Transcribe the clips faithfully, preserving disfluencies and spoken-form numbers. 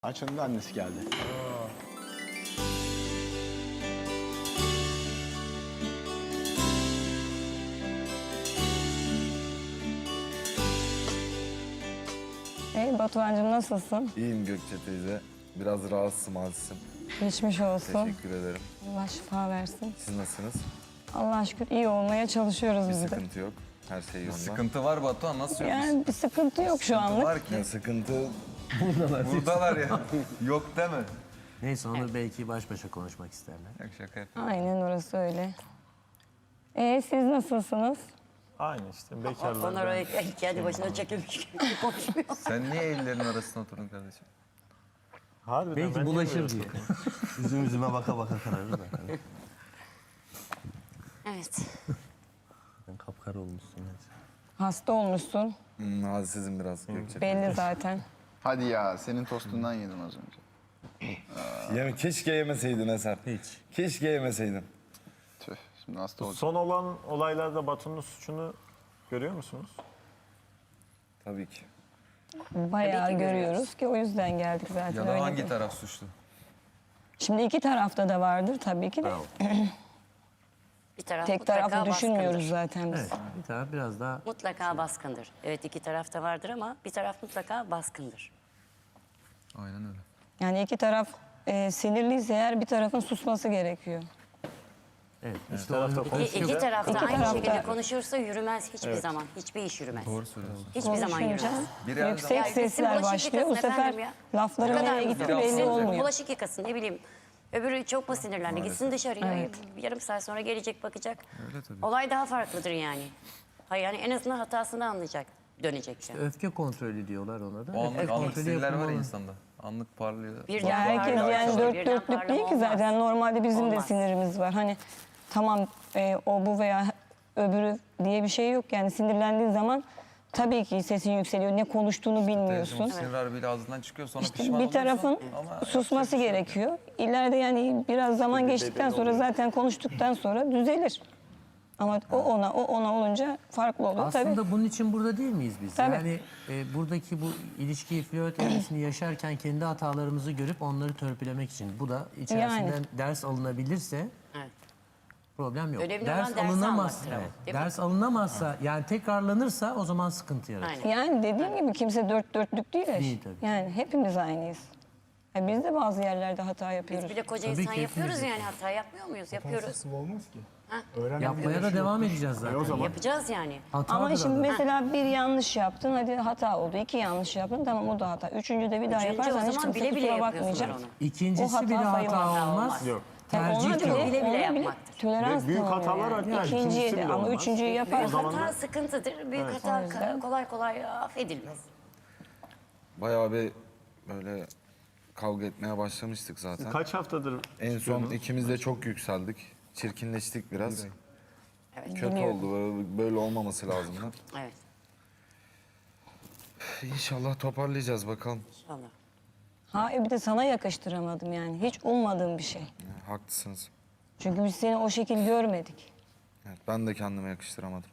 Ayça'nın da annesi geldi. Hey Batuhan'cığım nasılsın? İyiyim Gökçe teyze. Biraz rahatsızım, azizim. Geçmiş olsun. Teşekkür ederim. Allah şifa versin. Siz nasılsınız? Allah'a şükür iyi olmaya çalışıyoruz Bir biz de. sıkıntı yok. Her şey yolunda. Sıkıntı var Batuhan, nasıl yok? Yani bir sıkıntı yok şu anlık. Var ki. Ya sıkıntı Buradalar ya. Yok deme. Neyse onu belki baş başa konuşmak isterler. Yok şaka yapıyorum. Aynen orası öyle. Ee siz nasılsınız? Aynı işte bekarlar. Onlar öyle kendi başına çekilmiş gibi konuşuyor. Sen niye ellerin arasına oturdun kardeşim? Harbiden Belki ben niye bulaşır böyle diye. Üzüm üzüme baka baka kararır da. Evet. Sen kapkara olmuşsun. Hasta olmuşsun. hmm, azizim biraz Gökçe. Belli zaten. Hadi ya, senin tostundan yedim az önce. Ya keşke yemeseydin Eser. Hiç. Keşke yemeseydin. Tüh, şimdi hasta olacağım. Son olan olaylarda Batu'nun suçunu görüyor musunuz? Tabii ki. Bayağı Tabii ki görüyoruz ki o yüzden geldik zaten. Ya da öyle hangi değil. taraf suçlu? Şimdi iki tarafta da vardır tabii ki de. Bir taraf Tek mutlaka taraflı düşünmüyoruz baskındır. zaten biz. Evet, bir taraf biraz daha Mutlaka baskındır. Evet, iki tarafta vardır ama bir taraf mutlaka baskındır. Aynen öyle. Yani iki taraf e, sinirliyse eğer bir tarafın susması gerekiyor. evet. İşte tarafta o- konuşunca- İki, iki tarafta İki aynı tarafta- şekilde konuşursa yürümez hiçbir zaman. Hiçbir iş yürümez. Doğru söylüyorsun. Hiçbir zaman Konuşunca yürümez. Biri her yüksek zaman- Ya kesin sesler bulaşık başlıyor. Bu yıkasın sefer efendim ya. lafların Bu kadar nereye mı gitti zor? belli Gitsin olmuyor. bulaşık yıkasın ne bileyim. Öbürü çok mu sinirlendi? Gitsin dışarıya. Yarım saat sonra gelecek bakacak. Öyle tabii. Olay daha farklıdır yani. Hayır yani en azından hatasını anlayacak. Dönecek yani. öfke kontrolü diyorlar ona da. O anlık, Öfke anlık kontrolü sinirler var yapılmalı. ya insanda. Anlık parlıyor. Birden Ya herkes parlama yani olur, dört birden dörtlük parlama değil ki olmaz. zaten. Normalde bizim de Olmaz. sinirimiz var. Hani tamam e, o bu veya öbürü diye bir şey yok. Yani sinirlendiğin zaman tabii ki sesin yükseliyor. Ne konuştuğunu bilmiyorsun. Teyzem sinir harbiyle ağzından çıkıyor sonra İşte pişman bir oluyorsun. tarafın Ama susması gerekiyor. İleride yani biraz zaman geçtikten sonra zaten konuştuktan sonra düzelir. Ama o ona, o ona olunca farklı olur tabii. Aslında bunun için burada değil miyiz biz? Tabii. Yani e, buradaki bu ilişkiyi, flört evresini yaşarken kendi hatalarımızı görüp onları törpülemek için. Bu da içerisinden Yani. ders alınabilirse Evet. problem yok. Önemli olan ders dersi alınamazsa, almaktır ama, evet, değil mi? ders alınamazsa yani tekrarlanırsa o zaman sıkıntı yaratır. Aynen. Yani dediğim gibi kimse dört dörtlük değil. ya. Değil tabii. Yani hepimiz aynıyız. Ya biz de bazı yerlerde hata yapıyoruz. Biz bile koca Tabii insan ki yapıyoruz hepimiz yani hata yapmıyor muyuz? Yapıyoruz. olmaz ki. Yapmaya da devam edeceğiz zaten. Yapacağız yani. Hatadır Ama şimdi adı. mesela bir yanlış yaptın, hadi hata oldu. İki yanlış yaptın, tamam o da hata. Üçüncü de bir daha Üçüncü o yaparsan hiç zaman kimse bile bile kusura yapıyorsunuz bakmayacak. onu. İkincisi O hata bir hata sayılmaz. olmaz. Yok. Yani Tercih ona ki o. bile, Bile bile ona bile yapmaktır. tolerans Ve büyük tanımıyor hatalar yani. yani, İkinciye ikincisi de bile ama olmaz. üçüncüyü Büyük yaparsan hata sıkıntıdır. Büyük hata yüzden- kolay kolay affedilmez. Bayağı bir böyle kavga etmeye başlamıştık zaten. Kaç haftadır En son çıkıyordunuz? ikimiz de çok yükseldik. Çirkinleştik biraz. Evet. Kötü oldu. Böyle, böyle olmaması lazımdı. Evet. İnşallah toparlayacağız bakalım. İnşallah. ha bir de sana yakıştıramadım yani. Hiç ummadığım bir şey. Haklısınız. Çünkü biz seni o şekil görmedik. Evet, ben de kendime yakıştıramadım.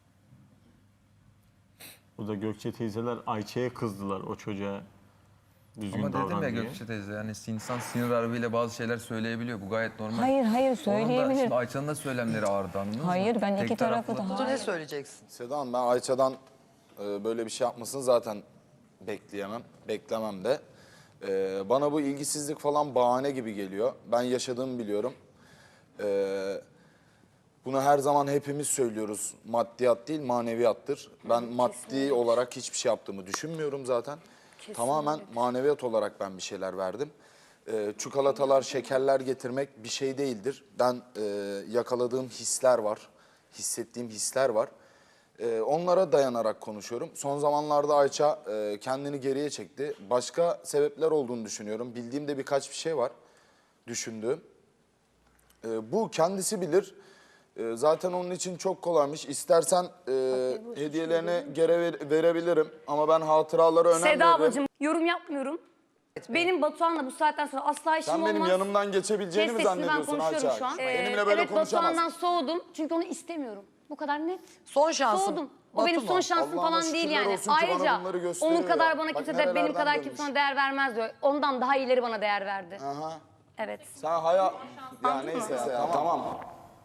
Burada Gökçe teyzeler Ayça'ya kızdılar o çocuğa düzgün Ama dedim davran ya diye. Gökçe teyze yani insan sinir harbiyle bazı şeyler söyleyebiliyor. Bu gayet normal. Hayır hayır Onun da söyleyebilir. şimdi Ayça'nın da söylemleri ağırdı anladınız mı? Hayır ben Tek iki tarafı taraflı. da Ne hayır. söyleyeceksin? Seda Hanım, ben Ayça'dan e, böyle bir şey yapmasını zaten bekleyemem, beklemem de. E, bana bu ilgisizlik falan bahane gibi geliyor. Ben yaşadığımı biliyorum. E, bunu her zaman hepimiz söylüyoruz. Maddiyat değil, maneviyattır. Ben maddi olarak hiçbir şey yaptığımı düşünmüyorum zaten. Tamamen maneviyat olarak ben bir şeyler verdim. E, çikolatalar, şekerler getirmek bir şey değildir. Ben e, yakaladığım hisler var, hissettiğim hisler var. Ee, onlara dayanarak konuşuyorum. Son zamanlarda Ayça e, kendini geriye çekti. Başka sebepler olduğunu düşünüyorum. Bildiğimde birkaç bir şey var düşündüğüm. Ee, bu kendisi bilir. Ee, zaten onun için çok kolaymış. İstersen e, hediyelerini geri ver- verebilirim. Ama ben hatıralara önem Seda veririm. ablacığım yorum yapmıyorum. Benim Batuhan'la bu saatten sonra asla işim Sen olmaz. benim yanımdan geçebileceğini Kes mi sesini, ben zannediyorsun konuşuyorum Ayça? şu an. Benimle Ee, böyle evet konuşamazsın. Batuhan'dan soğudum çünkü onu istemiyorum. Bu kadar net. Son şansım. Soğudum. O benim Batuhan, son şansım Allah'ına falan değil şükürler yani. olsun ki bana Ayrıca bunları gösteriyor onun kadar ya. bana Bak kimse de nerelerden benim kadar dönmüş. kimse ona değer vermez diyor. Ondan daha iyileri bana değer verdi. Aha. Evet. Sen hayal... Ya neyse ya, tamam.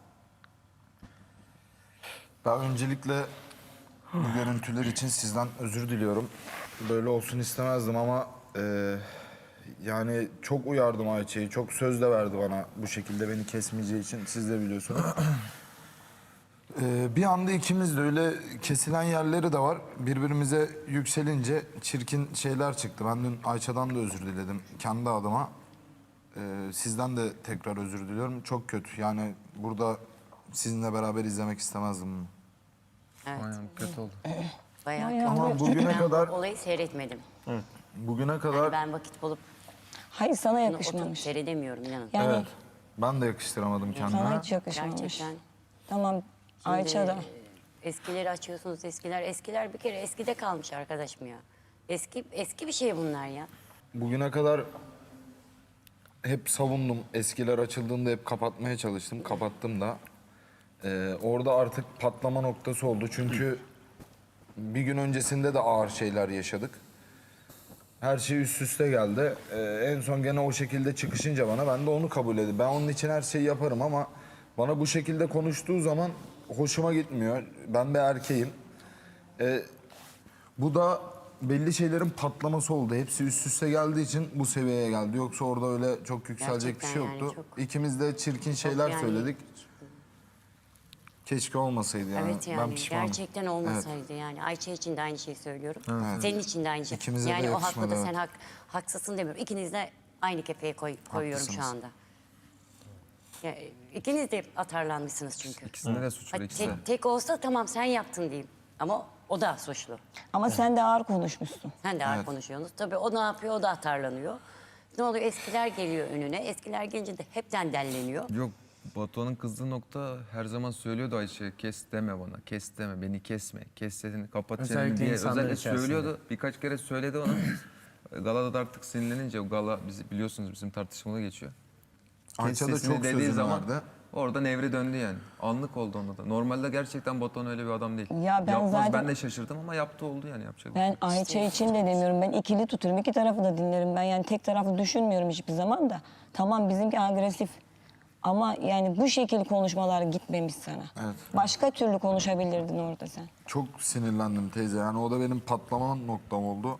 Ben öncelikle bu görüntüler için sizden özür diliyorum. Böyle olsun istemezdim ama e, yani çok uyardım Ayça'yı. Çok söz de verdi bana bu şekilde beni kesmeyeceği için. Siz de biliyorsunuz. E, bir anda ikimiz de öyle kesilen yerleri de var. Birbirimize yükselince çirkin şeyler çıktı. Ben dün Ayça'dan da özür diledim kendi adıma. E, sizden de tekrar özür diliyorum. Çok kötü. Yani burada sizinle beraber izlemek istemezdim bunu. Evet. Aynen kötü oldu. Bayağı Bayağı kötü. Ama bugüne Ben kadar bu olayı seyretmedim. bugüne kadar Yani ben vakit bulup Hayır sana bunu oturup yakışmamış. seyredemiyorum inanın. Yani evet ben de yakıştıramadım kendime. sana hiç yakışmamış. Gerçekten. Tamam Ayça da. Ee, Eskileri açıyorsunuz eskiler. Eskiler bir kere eskide kalmış arkadaşım ya. Eski eski bir şey bunlar ya. Bugüne kadar hep savundum. Eskiler açıldığında hep kapatmaya çalıştım. Kapattım da. Ee, orada artık patlama noktası oldu. Çünkü bir gün öncesinde de ağır şeyler yaşadık. Her şey üst üste geldi. Ee, en son gene o şekilde çıkışınca bana ben de onu kabul edip ben onun için her şeyi yaparım ama bana bu şekilde konuştuğu zaman hoşuma gitmiyor. Ben bir erkeğim. Ee, bu da belli şeylerin patlaması oldu. Hepsi üst üste geldiği için bu seviyeye geldi. Yoksa orada öyle çok yükselecek bir şey Gerçekten yani yoktu. çok- İkimiz de çirkin şeyler yani- söyledik. Keşke olmasaydı yani. Evet Ben yani pişmanım. gerçekten olmasaydı yani. Ayça için de aynı şeyi söylüyorum. Senin için de aynı şey. İkimize de yani o yakışmadı, haklı da evet. sen hak, haksızsın demiyorum. İkiniz de aynı kefeye koy, koyuyorum şu Haklısınız. anda. Ya, ikiniz de atarlanmışsınız çünkü. İkisinde de suç var Ha, ikisi de. tek, tek olsa tamam sen yaptın diyeyim. Ama o da suçlu. Ama sen de ağır konuşmuşsun. Sen de ağır konuşuyorsunuz. Tabii o ne yapıyor? O da atarlanıyor. Ne oluyor? Eskiler geliyor önüne. Eskiler gelince de hepten delleniyor. Yok Batuhan'ın kızdığı nokta her zaman söylüyordu Ayşe kes deme bana, kes deme, beni kesme, kes sesini, kapat çeneni Özellikle diye insanlar özellikle içerisinde. söylüyordu. Birkaç kere söyledi ona. Galada da artık sinirlenince o gala bizi biliyorsunuz bizim tartışmada geçiyor. Kes Ayça da sesini çok dediği sözünü zaman verdi. orada nevri döndü yani. Anlık oldu onda da. Normalde gerçekten Batuhan öyle bir adam değil. Ya ben Yapmaz zaten- ben de şaşırdım ama yaptı oldu yani yapacak. bir Ben şey yok. Ayça için de demiyorum. Ben ikili tutuyorum. İki tarafı da dinlerim. Ben yani tek taraflı düşünmüyorum hiçbir zaman da. Tamam bizimki agresif. Ama yani bu şekil konuşmalar gitmemiş sana. Evet. Başka türlü konuşabilirdin orada sen. Çok sinirlendim teyze. Yani o da benim patlama noktam oldu.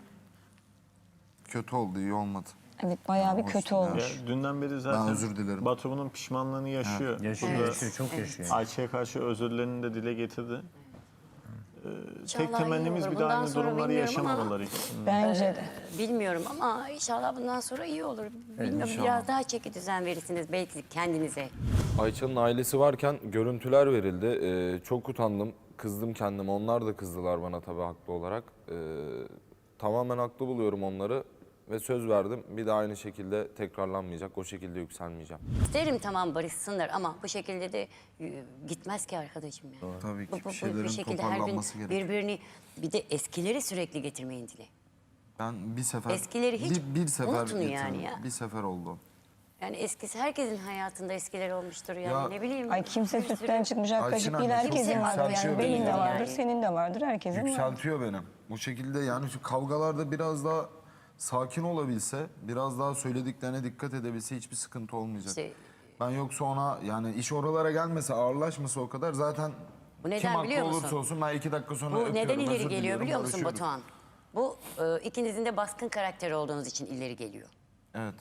Kötü oldu, iyi olmadı. Evet bayağı bir Hoş kötü değil, olmuş. Ya, dünden beri zaten özür dilerim. Batu bunun pişmanlığını yaşıyor. Yaşıyor, Burada yaşıyor, çok yaşıyor. Ayça'ya karşı özürlerini de dile getirdi. Ee, İnşallah tek temennimiz iyi olur. bir daha Bundan aynı sonra durumları bilmiyorum ama- yaşamamaları ikisinin. Bence de. Bilmiyorum ama inşallah bundan sonra iyi olur. Bilmiyorum biraz daha çeki düzen verirsiniz belki kendinize. Ayça'nın ailesi varken görüntüler verildi. Ee, çok utandım, kızdım kendime. Onlar da kızdılar bana tabii haklı olarak. Ee, tamamen haklı buluyorum onları ve söz verdim. Bir daha aynı şekilde tekrarlanmayacak, o şekilde yükselmeyeceğim. İsterim tamam barışsınlar ama bu şekilde de e, gitmez ki arkadaşım ya. Tabii ki Bu- bir bu- bu- şeylerin bir şekilde her gün toparlanması gerekiyor. birbirini bir de eskileri sürekli getirmeyin dile. Ben bir sefer, Eskileri hiç bir, bir sefer unutun yani getirdim. ya. Bir sefer oldu. Yani eskisi herkesin hayatında eskiler olmuştur yani Ya- ne bileyim. Ay kimse bir sürü- sütten çıkmış ak kaşık Ayçin değil. anne, Herkesin çok vardır yükseltiyor yani. Benim beni de yani. vardır, senin de vardır, herkesin vardır. Yükseltiyor beni. Bu şekilde yani şu kavgalarda biraz daha sakin olabilse, biraz daha söylediklerine dikkat edebilse hiçbir sıkıntı olmayacak. İşte- Ben yoksa ona yani iş oralara gelmese, ağırlaşmasa o kadar zaten Bu neden kim haklı biliyor musun? olursa olsun ben iki dakika sonra Bu öpüyorum, neden ileri özür geliyor diliyorum, biliyor musun barışıyoruz. Batuhan? Bu e, ikinizin de baskın karakter olduğunuz için ileri geliyor. Evet.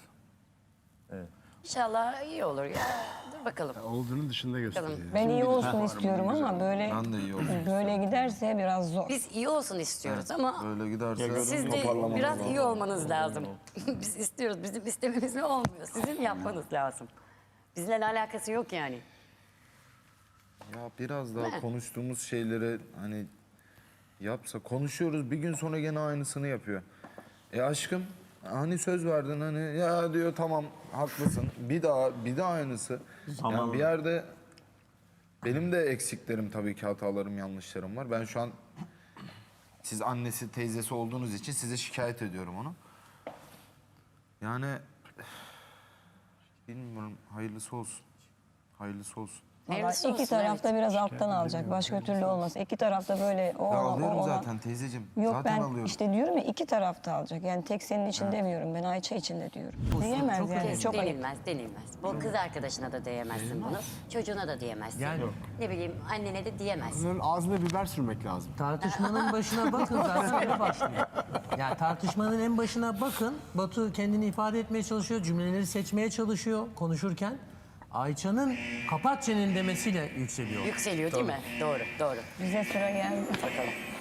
İnşallah iyi olur ya. Dur bakalım. Olduğunun dışında gösteriyor. Ben iyi olsun istiyorum ama böyle Ben de iyi olsun. böyle giderse biraz zor. Biz iyi olsun istiyoruz ama Böyle giderse siz de toparlamamız biraz lazım. iyi olmanız lazım. Biz istiyoruz. Bizim istememizle olmuyor. Sizin yapmanız lazım. Bizimle alakası yok yani. Ya biraz daha konuştuğumuz şeyleri hani yapsa, konuşuyoruz bir gün sonra gene aynısını yapıyor. E aşkım hani söz verdin hani ya diyor tamam haklısın bir daha bir daha aynısı. Tamam. Yani bir yerde benim de eksiklerim tabii ki hatalarım yanlışlarım var. Ben şu an siz annesi teyzesi olduğunuz için size şikayet ediyorum onu. Yani bilmiyorum hayırlısı olsun. Hayırlısı olsun. Vallahi Hayırlısı iki olsun, tarafta evet. biraz alttan alacak. Başka türlü olmaz. İki tarafta böyle o Ben ona, o alıyorum ona. zaten teyzeciğim. Yok zaten ben alıyorum. işte diyorum ya iki tarafta alacak. Yani tek senin için demiyorum. Ben Ayça için de diyorum. Diyemez çok yani. önemli. Çok ayıp. denilmez, denilmez. Bu kız arkadaşına da diyemezsin bunu. Çocuğuna da diyemezsin. Yani- Ne bileyim annene de diyemezsin. Bunların ağzına biber sürmek lazım. Tartışmanın başına bakın zaten öyle başlıyor. Yani tartışmanın en başına bakın. Batu kendini ifade etmeye çalışıyor, cümleleri seçmeye çalışıyor konuşurken. Ayça'nın kapat çeneni demesiyle yükseliyor. Yükseliyor değil mi? Doğru, doğru. Bize sıra geldi. Bakalım.